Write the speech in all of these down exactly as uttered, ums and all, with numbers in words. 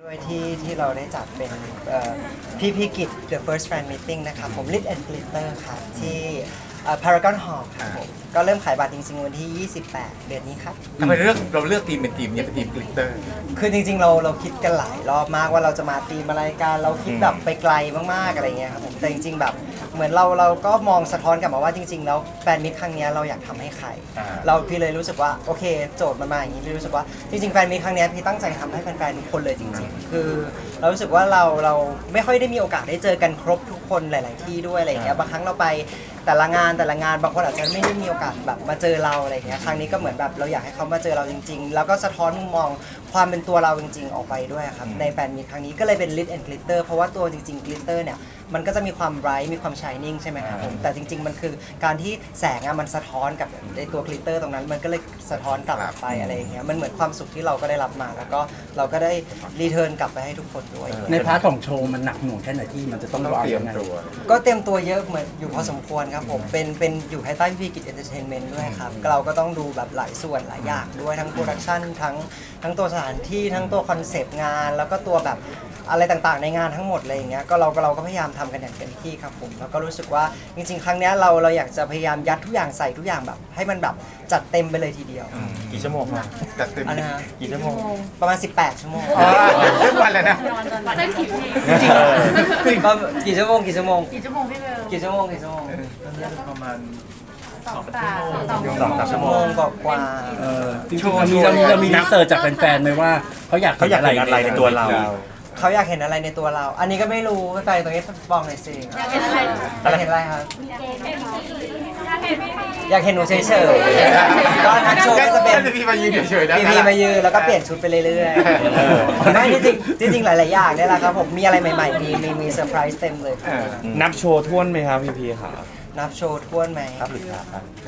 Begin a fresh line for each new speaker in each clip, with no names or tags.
ด้วยที่ที่เราได้จัดเป็นพี่พีกิจ The First Fan Meeting นะครับผม Lit and Glitter ครับที่ Paragon Hall ครับผมก็เริ่มขายบัตรจริงๆวันที่ยี่สิบแปดเดือนนี้ครับ
ทำไมเลือกเราเลือกทีมเป็นทีมเนี่ยเป็นทีมกลิตเตอร์
คือจริงๆเราเราคิดกันหลายรอบมากว่าเราจะมาทีมอะไรกันเราคิดแบบไปไกลมากๆอะไรเงี้ยครับผมแต่จริงๆแบบเหมือนเราเราก็มองสะท้อนกลับมาว่าจริงๆแล้วแฟนมิตรครั้งนี้เราอยากทำให้ใครเราพี่เลยรู้สึกว่าโอเคโจทย์มันมาอย่างนี้พี่รู้สึกว่าจริงๆแฟนมิตรครั้งนี้พี่ตั้งใจทำให้แฟนๆทุกคนเลยจริงๆคือเรารู้สึกว่าเราเราไม่ค่อยได้มีโอกาสได้เจอกันครบทุกคนหลาย ๆที่ด้วยอะไรเงี้ยบางครั้งเราไปแต่ละงานแต่ละงานบางคนอาจจะไม่ได้มีโอกาสแบบมาเจอเราอะไรเงี้ยครั้งนี้ก็เหมือนแบบเราอยากให้เขามาเจอเราจริงๆแล้วก็สะท้อนมุมมองความเป็นตัวเราจริงๆออกไปด้วยครับในแฟนมีตครั้งนี้ก็เลยเป็น Lit and Glitter เพราะว่าตัวจริงๆ Glitter เนี่ยมันก็จะมีความไบรท์มีความ Shining ใช่ไหมครับผมแต่จริงๆมันคือการที่แสงอะมันสะท้อนกับในตัว Glitter ตรงนั้นมันก็เลยสะท้อนกลับออกไปอะไรอย่างเงี้ยมันเหมือนความสุขที่เราก็ได้รับมาแล้วก็เราก็ได้รีเทิร์นกลับไปให้ทุกคนด้วย
ในพาร์ทของโชว์มันหนักหน่วงแค่ไหนที่มันจะต้องวางยังไง
ก็เตรียมตัวเยอะเหมือนอยู่พอสมควรครับผมเป็นเป็นอยู่ภายใต้พี่กิจเอนเตอร์เทนเมนต์ด้วยครับเราก็ต้องดูแบบหลายส่วนหลายอย่างด้วยทั้งโปรดักชันทั้งทั้งตัวสถานที่ทั้งตัวคอนเซปต์งานแล้วก็ตัวแบบอะไรต่างๆในงานทั้งหมดเลยอย่างเงี้ยก็เราก็เราก็พยายามทำกันอย่างเต็มที่ครับผมแล้วก็รู้สึกว่าจริงๆครั้งนี้เราเราอยากจะพยายามยัดทุกอย่างใส่ทุกอย่างแบบให้มันแบบจัดเต็มไปเลยทีเดียว
กี่ชั่วโมงครับ
จัดเต็ม
อันนะ
กี่ชั่วโมง
ประมาณสิบแปดชั่วโมง
ทุกวันเลยนะ
เต้นกี่เพลง
กี่ชั่วโมงกี่ชั่วโมง
กี่ชั่วโมงพี่เบล
กี่ชั่วโมงกี่ชั่วโมง
ประมาณ
สองสามสอง
สองสามชั่
ชั่
ว
ว
โม
โม
ง
งกว่า
เออจริงๆเรามีเรามีเรามีรีเสิร์ชจากแฟนๆไหมว่าเขาอยาก
เขาอยากเห็นอะไรในตัวเรา
เขาอยากเห็นอะไรในตัวเรา อันนี้ก็ไม่รู้ใครตรงนี้บอกหน่อยสิ
อยากเห็นอะไร
อยากเห็นอะไรครับ
อยากเห็นอยากเห็นพี่
อยากเห็นหนูเฉยๆก็นักโชว์ก็จะเป็น
พีมายืนเฉยๆนะ
พีพีมายืนแล้วก็เปลี่ยนชุดไปเรื่อยๆไม่จริงจริงจริงๆหลายๆอย่างเนี่ยแหละครับผมมีอะไรใหม่ๆ มีมีมีเซอร์ไพรส์เต็มเลย
นับโชว์ท่วนไหมครับพี่พีครับ
นับโชว์ท้วนไหม
ครับหรือครับ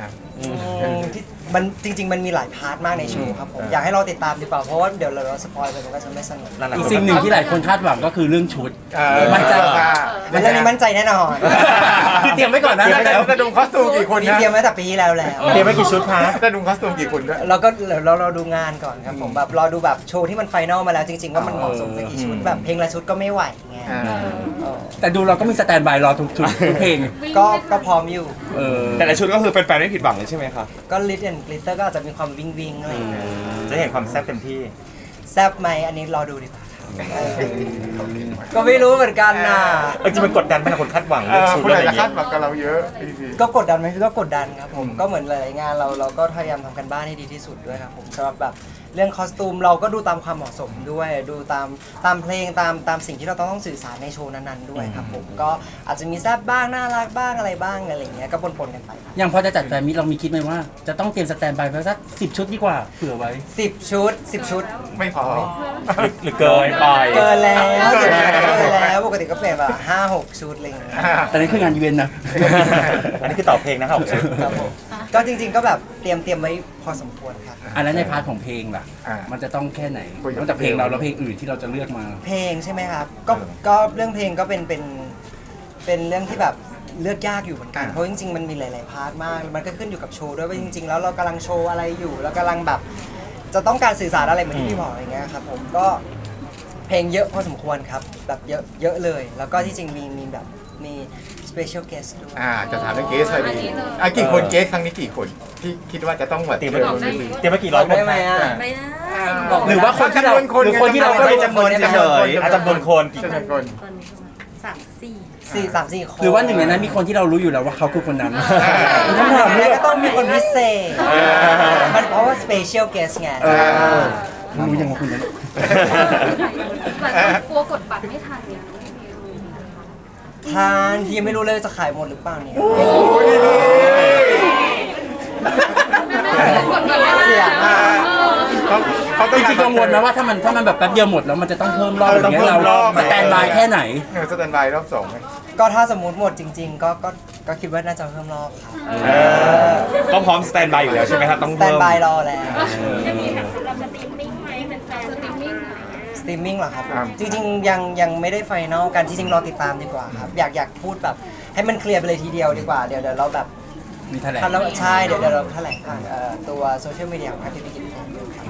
อืมที่มันจริง ๆ มันมีหลายพาร์ทมากในโชว์ครับผมอยากให้เราติดตามดีกว่าเพราะว่าเดี๋ยวเราสปอยไปมันก็จะไม่สนุก
อีกสิ่งหนึ่งที่หลายคนคาดหวังก็คือเรื่องชุด
มันจะ
เรื่องนี้มั่นใจแน่นอน
คือเตรียมไว้ก่อนนะ
จะดูคอสตูมกี่คน
มี
นะ
เตรียมไว้แต่ปีที่แล้วแล้ว
เตรียมไว้กี่ชุดคะ
จะดูคอสตูมกี่คนด้วย
เราก็เราเราดูงานก่อนครับผมแบบรอดูแบบโชว์ที่มันไฟนอลมาแล้วจริงๆว่ามันเหมาะสมสักกี่ชุดแบบเพลงละชุดก็ไม่ไหวไง
แต่ดูเราก็มีสแตนบายรอทุกชุดทุกเพลง
ก็ก็พร้อมอยู่
เออ
แต่ละชุดก็คือแฟนๆไม่ผิดหวังเลยใช่ไหมครับ
ก็ลิ t แอนด์กลิตเตอร์ก็อาจจะมีความวิงวิงอะไรอย่างเงี้ย
จะเห็นความแซ่บเต็มที่
แซ่บไหมอันนี้รอดูดีกว่าก็ไม่รู้เหมือนกันนะ
เออจริงมันกดดันไหมคนคาดหวัง
เอ
เรื่อง
อ
ชุด
คุณ
อะไร
อาจ
อย่า
จะ
ง
คา
เงี้ย
ดหวังกับเราเยอะพีพี
ก็กดดันไหมก็กดดันครับผมก็เหมือนหลายๆงานเราเราก็พยายามทำกันบ้านให้ดีที่สุดด้วยครับผมสำหรับแบบเรื่องคอสตูมเราก็ดูตามความเหมาะสมด้วยดูตามตามเพลงตามตามสิ่งที่เราต้องต้องสื่อสารในโชว์นั้นๆด้วยครับผมก็อาจจะมีแซ่บบ้างน่ารักบ้างอะไรบ้างอะไรอย่างเงี้ยก็ปนๆกันไป
อย่างพอจะจัดแฟนมิตเรามีคิดไหมว่า จะต้องเตรียมสแตนบายไว้สักสิบชุดดีกว่าเผื่อไว้
สิบชุดสิบชุด
ไม่พอ
หรือเกินไป
เกินแล้ว
เกินแล้ว
เกินแล้วปกติก็เปลี่ยนแบบห้าหกชุดอะไรอย่างเงี้ย
แต่นี่คืองานอีเวนต์นะ
อันนี้คือต่อเพลงนะครับ
ครับผมก็จริงๆก็แบบเตรียมเตรียมไว้พอสมควรครับ
อันนั้นในพาร์ทของเพลงล่ะ
อ่า
มันจะต้องแค่ไหน
คุยกับ
นอกจากเพลงเราแล้วเพลงอื่นที่เราจะเลือกมา
เพลงใช่ไหมครับก็ก็เรื่องเพลงก็เป็นเป็นเป็นเรื่องที่แบบเลือกยากอยู่เหมือนกันเพราะจริงๆมันมีหลาย ๆ พาร์ทมากมันก็ขึ้นอยู่กับโชว์ด้วยว่าจริง ๆ แล้วเรากำลังโชว์อะไรอยู่แล้วกำลังแบบจะต้องการสื่อสารอะไรเหมือนที่พี่บอกอะไรเงี้ยครับผมก็เพลงเยอะพอสมควรครับแบบเยอะเยอะเลย แล้วก็ที่จริงมีมีแบบมี special guest ด้วย
อ่าจะถามเรื่องเกสอะไรดีอ่ะกี่คนเกสครั้งนี้กี่คนที่คิดว่าจะต้องแบบ
เตรียม
เจ
ไว้
อ
เตรียมไว้กี่ร้อยคน
ได้ไหมอ่ะ
ไม่ได้
หรือว่าคนที่เราหรือคนที่เราก็
ไม่
รู้
จำนวนเฉยๆอาจจำนวนคนกี่
จำนวนคน
ตอนนี้ประมาณสามสี่
สี่สามสี่คน
หรือว่าหนึ่งในนั้นมีคนที่เรารู้อยู่แล้วว่าเขาคือคนนั้น
มันต้องถามเลยก็ต้องมีคนพิเศษมันเพราะว่า special guest ไง
เขารู้ยังว่าคนนั้น
หลายคนกลัวกดบัตรไม่ทันเนี่ย
ทานที่ยังไม่รู้เลยจะขายหมดหรือเปล่าเนี่ย
กดบัตรไม่ทัน
เสียมาก
เขาเขาต้
จ
อง
ริงๆกังวลนะว่าถ้ามันถ้ามันแบบแป๊บเดียวหมดแล้วมันจะต้องเพิ่มรอบอย่างเงี้ยเราสแตนบายแค่ไหน
เออสแตนบายรอบสองไหม
ก็ถ้าสมมติหมดจริง ๆ ก็ก็ก็คิดว่าน่าจะเพิ่มรอบครับ
ก็พร้อมสแตนบายอยู่แล้วใช่ไหมครับต้อง
สแตน
เพิ่ม
บายรอแล้ว
จะมีแบบเราสตรีมมิ่งไหมเป็นแฟนสตรีมมิ่ง
สตรีมมิ่งเหรอครับ จริง ๆ ยังยังไม่ได้ไฟนอลกันจริงๆรอติดตามดีกว่าครับ อยากอยากพูดแบบให้มันเคลียร์ไปเลยทีเดียวดีกว่า เดี๋ยวเดี๋ยวเราแบบ
มีแถลง
ถ้าเราใช่เดี๋ยวเดี๋ยวเราแถลงผ่านเอ่อตัวโซเชียลมีเดียของทางทีวีกิจครับ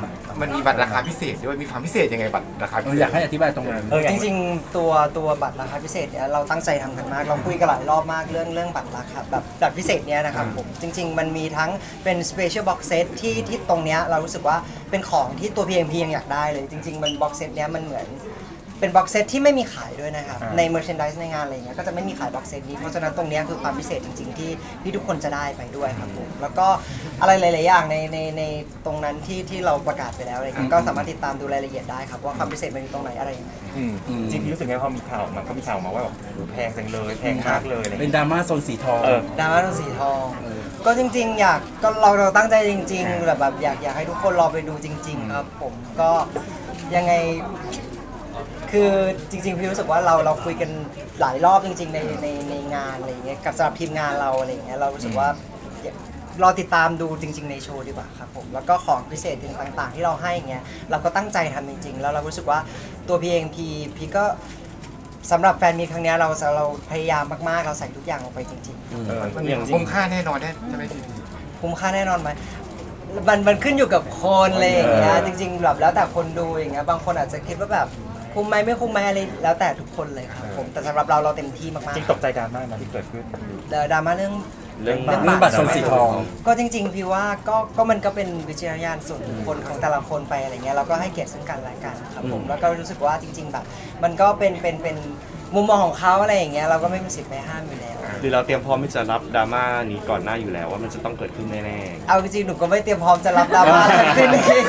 มันมีบัตรราคาพิเศษด้วยมีความพิเศษยังไงบัตรราคาพิ
เออ
เศษ
อยากให้อธิบายตรงนั้น
เออ
จริงๆตัวตัวบัตรราคาพิเศษเนี่ยเราตั้งใจทำกันมากเราคุยกันหลายรอบมากเรื่องเรื่องบัตรราคาแบบบัตรพิเศษเนี้ยนะครับผมจริง ๆ มันมีทั้งเป็น special box set ที่ที่ตรงเนี้ยเรารู้สึกว่าเป็นของที่ตัว พี เอ็ม พี ยังอยากได้เลยจริง ๆ มัน box set เนี้ยมันเหมือนเป็นบ็อกเซตที่ไม่มีขายด้วยนะครับ
อ่า
ใน merchandise ในงานอะไรเงี้ยก็จะไม่มีขายบ็อกเซตนี้เพราะฉะนั้นตรงเนี้ยคือความพิเศษจริง ๆ ที่ที่ทุกคนจะได้ไปด้วยครับผมแล้วก็อะไรหลาย ๆ อย่างในในในตรงนั้นที่ที่เราประกาศไปแล้วอะไรเงี้ยก็สามารถติดตามดูรายละเอียดได้ครับว่าความพิเศษมันอยู่ตรงไหนอะไรยังไง
อืมจริงๆรู้สึกไงพอมีข่าวมันก็มีข่าวมาว่าแบบโอ้โหแพงจังเลยแพงมากเลยอะไร
เป็น
เงี้ย
ดราม่าโซนสีทอง
เออ
ดราม่าสีทอง ก็จริง ๆ อยากก็เราเราตั้งใจจริง ๆ แบบแบบอยากอยากให้ทุกคนรอไปดูจริง ๆ ครับ ผมก็ยังไง คือจริงๆพี่รู้สึกว่าเราเราคุยกันหลายรอบจริง ๆ ในในในงานอะไรอย่างเงี้ยกับสำหรับทีมงานเราอะไรอย่างเงี้ยเรารู้สึกว่ารอติดตามดูจริง ๆ ในโชว์ดีกว่าครับผมแล้วก็ของพิเศษต่างๆ ที่เราให้อย่างเงี้ยเราก็ตั้งใจทำจริง ๆ แล้วเรารู้สึกว่าตัวพี่เองพี่พี่ก็สำหรับแฟนมีตครั้งเนี้ยเราเราพยายามมากๆเราใส่ทุกอย่างลงไปจริง
เออ
มัน
อย่างจริ
คุ้
ง
มค่าแน่นอนแน่ใช่ไหมพี่
ๆคุ้มค่าแน่นอนไหมมันมันขึ้นอยู่กับคนอะไรอย่างเงี้ยจริงๆแบบแล้วแต่คนดูอย่างเงี้ยบางคนอาจจะคิดว่าแบบคุ้มไหมไม่คุ้มไหมอะไรแล้วแต่ทุกคนเลยครับผมแต่สำหรับเราเราเต็มที่มาก
จริงตกใจดราม่ามาที่เกิดขึ้น
ๆเดดราม่าเรื่อง
เรื่อง
เรื่องบัตรโซนสีทอง
ก็จริงๆพี่ว่าก็ก็มันก็เป็นวิจารณญาณส่วนบุคคลของแต่ละคนไปอะไรเงี้ยเราก็ให้เกียรติซึ่งกันและกันครับผมแล้วก็รู้สึกว่าจริง ๆ แบบ มันก็เป็นเป็นเป็นมุมมองของเขาอะไรอย่างเงี้ยเราก็ไม่มีสิทธิ์ไปห้ามอยู่แล้ว
หรือเราเตรียมพร้อมที่จะรับดราม่านี้ก่อนหน้าอยู่แล้วว่ามันจะต้องเกิดขึ้นแน่
เอาจริงๆหนูก็ไม่เตรียมพร้อมจะรับดราม่าทั้งสิ้น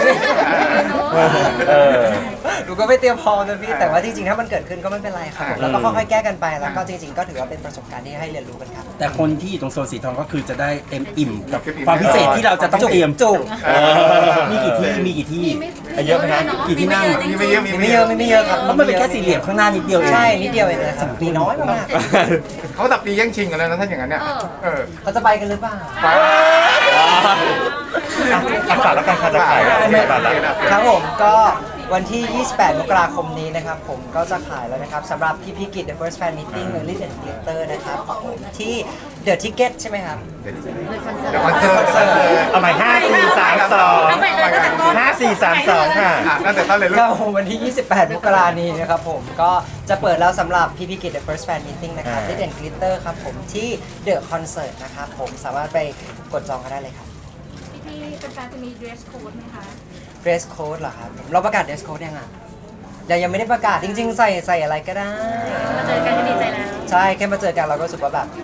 เออ
หนูก็ไม่เตรียมพร้อมนะพี่แต่ว่าจริงๆถ้ามันเกิดขึ้นก็ไม่เป็นไรครับผมแล้วก็ค่อยๆแก้กันไปแล้วก็จริง ๆ ก็ถือว่าเป็นประสบการณ์ที่ให้เรียนรู้กันครับ
แต่คนที่อยู่ตรงโซนสีทองก็คือจะได้เต็มอิ่มกับความพิเศษที่เราจะต้องเตรียม
จุก
เออ
มีกี่ที่มีกี่ที่
มีไม่
อ่ะเยอะไหมฮะ
กี่ที่นั่ง
มีไม่เยอะมี
มี
ไม่
ไม่
เย
เย
อะ
อะมีไม่เยอะครับ
เพราะมันเป็นแค่สี่เหลี่ยมข้างหน้านิดเดียวเอง
ใช่นิดเดียวเองนะครับมีน้อยมาก
เขาตับตีแย่งชิงกันแล้วนะถ้าอย่างนั้นเนี่ยเออ
ๆเขาจะไปกันหรือเปล่า
ไป
อ่ะฝากแล้วกันค่ะจะขายแล้วฝากแล้ว
ครับผมก็วันที่ ยี่สิบแปด มกราคมนี้นะครับผมก็จะขายแล้วนะครับสำหรับพี่พิกิจ The First Fan Meeting Early and Glitter นะครับผมที่ The Ticket ใช่ไหมครับ
เดี๋ยวคอนเสิร์ตคอนเสิร์ต
เอาใหม่ห้าสี่สามสองห้าสี่สามสองค่ะ
อ่ะตั้งแต่ต้นเลยลู
ก็
ก
วันที่ ยี่สิบแปด มกรานี้นะครับผมก็จะเปิดแล้วสำหรับพี่พิกิจ The First Fan Meeting นะครับ
อ่า
Lit and Glitter ครับผมที่ The Concert นะครับผมสามารถไปกดจองกันได้เลยครับ
พี่ๆเป็นแฟนจะมี dress code ไหมคะ
Dress Code เหรอครับเราประกาศ Dress Code ยังอ่ะยังยังไม่ได้ประกาศจริง ๆ ใส่ใส่อะไรก็ได้
มาเจอกันก็ดีใจแล้ว
ใช่แค่มาเจอกันเราก็รู้สึกว่าแบบ